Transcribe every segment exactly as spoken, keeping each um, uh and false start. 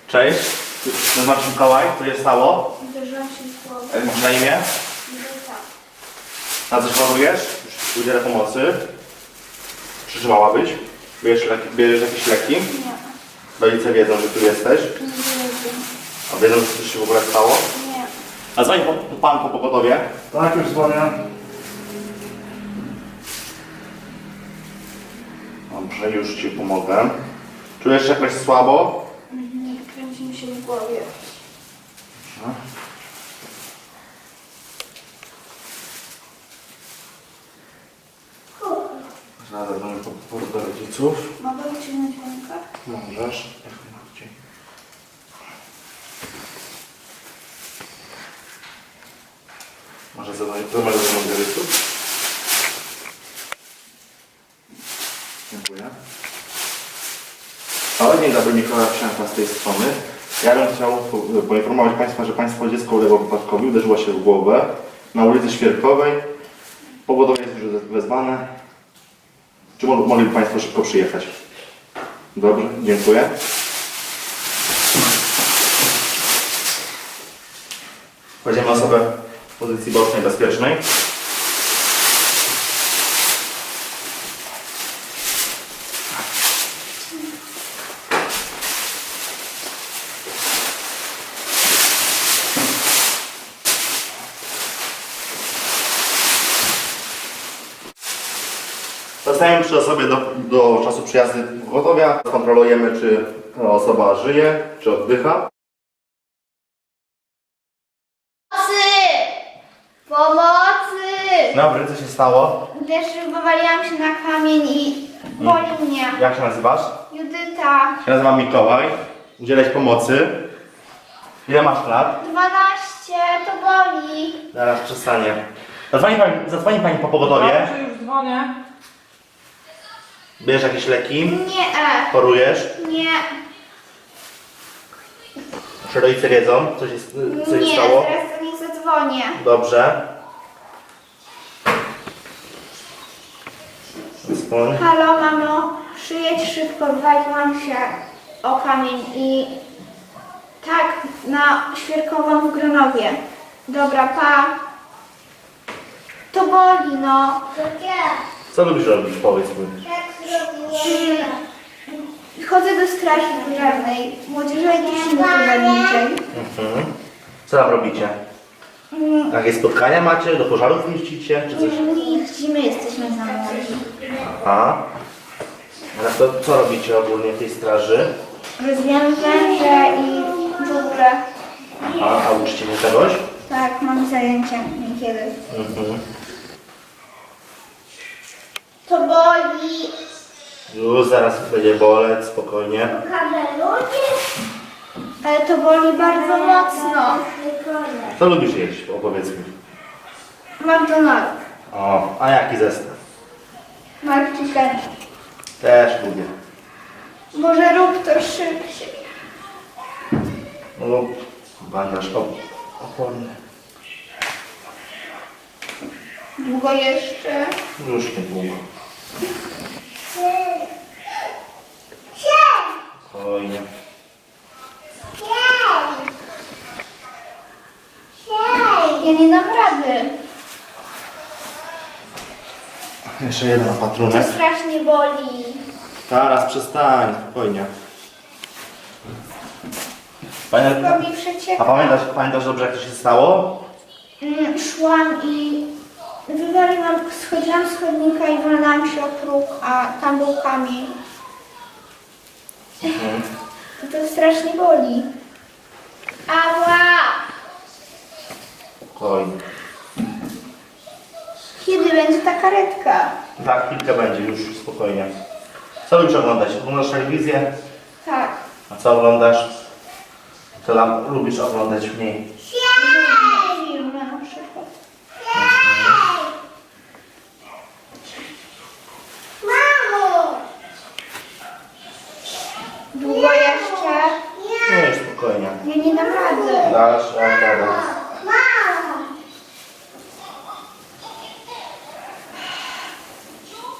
Cześć, nazywam się Mikołaj, co się stało? Uderzyłam się w głowę. Jak masz na imię? Judyta. Na coś chorujesz? Już udzielę pomocy. Przeżywałabyś? Bierzesz, leki, bierzesz jakieś leki? Nie. Rodzice wiedzą, że tu jesteś? Nie wiem. A wiedzą, że coś się w ogóle stało? Nie. A dzwoni po, po pan po pogotowie? Tak, już dzwonię. Dobrze, już ci pomogę. Czujesz się jakoś słabo? Nie, kręci mi się w głowie. Zaraz zadzwonię po, po do rodziców. Mogę uciągnąć rękę? Możesz, jak najbardziej. Może zadzwonić do mojego rodziców? Dziękuję. O, dzień dobry, Mikołaj Psianka z tej strony. Ja bym chciał po- poinformować Państwa, że Państwo dziecko uległo wypadkowi, uderzyło się w głowę na ulicy Świerkowej. Pogodowie jest już wezwane. Czy mo- mogliby Państwo szybko przyjechać? Dobrze, dziękuję. Kładziemy osobę w pozycji bocznej, bezpiecznej. Zostajemy przy osobie do, do czasu przyjazdu pogotowia. Kontrolujemy, czy ta osoba żyje, czy oddycha. Pomocy! Pomocy! Dobry, co się stało? Wiesz, że wywaliłam się na kamień i boli mnie. Jak się nazywasz? Judyta. Ja się nazywam Mikołaj. Udzielać pomocy. Ile masz lat? dwanaście, to boli. Zaraz przestanie. Zadzwoni pani, zadzwoni pani po pogotowie. Dobrze, już dzwonię. Bierzesz jakieś leki? Nie, Chorujesz? nie, Czy rodzice wiedzą, co się, co się nie, stało? teraz do nich zadzwonię. Dobrze. Dzwoń. Halo, mamo, przyjedź szybko, wywaliłam się o kamień i tak, na Świerkową w Gronowie. Dobra, pa. To boli, no. Co lubisz robić? Powiedz mi. Mm, Chodzę do straży pożarnej, młodzieżowej drużyny pożarniczej. Mhm. Co tam robicie? Mm, Jakieś spotkania macie? Do pożarów jeździcie? Czy coś? Nie jeździmy, jesteśmy za młodzi. Aha. A to co robicie ogólnie w tej straży? Rozwijamy węże i żubrę. A, a uczycie się czegoś? Tak, mam zajęcia niekiedy. Mhm. To boli. Już zaraz będzie boleć, spokojnie. Ale to boli bardzo mocno. Co lubisz jeść? Opowiedz mi. McDonald's. O, a jaki zestaw? Mark Chicken. Też lubię. Może rób to szybciej. No, bandaż op- oporny. Długo jeszcze? Już niedługo. Spokojnie. Ja nie dam rady. Jeszcze jeden To opatrunek. strasznie boli. Zaraz przestań, spokojnie. Pamię- Robi A przecieka. pamiętasz, pamiętasz dobrze, jak to się stało? Mm, Szłam i wywaliłam, schodziłam z chodnika i walnęłam się o próg, a tam był kamień. Mhm. To strasznie boli. Ała! Spokojnie. Kiedy będzie ta karetka? Tak, chwilkę będzie, już spokojnie. Co lubisz oglądać? Oglądasz telewizję? Tak. A co oglądasz? Co tam lubisz oglądać mniej? Filmy na przykład. Długo jeszcze? Nie, już spokojnie. Ja nie dam rady. Dasz radę.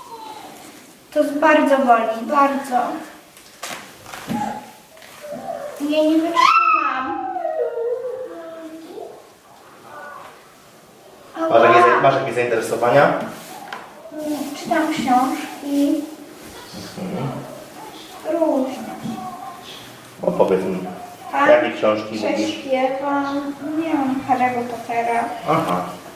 To bardzo boli, bardzo. Nie, nie wytrzymam. Masz jakieś, Ała. masz jakieś zainteresowania? Czytam książki. Różne. Opowiedz mi. Tak? Jakie książki lubisz? Prześpiewam. Nie wiem, Harry'ego Pottera. Aha.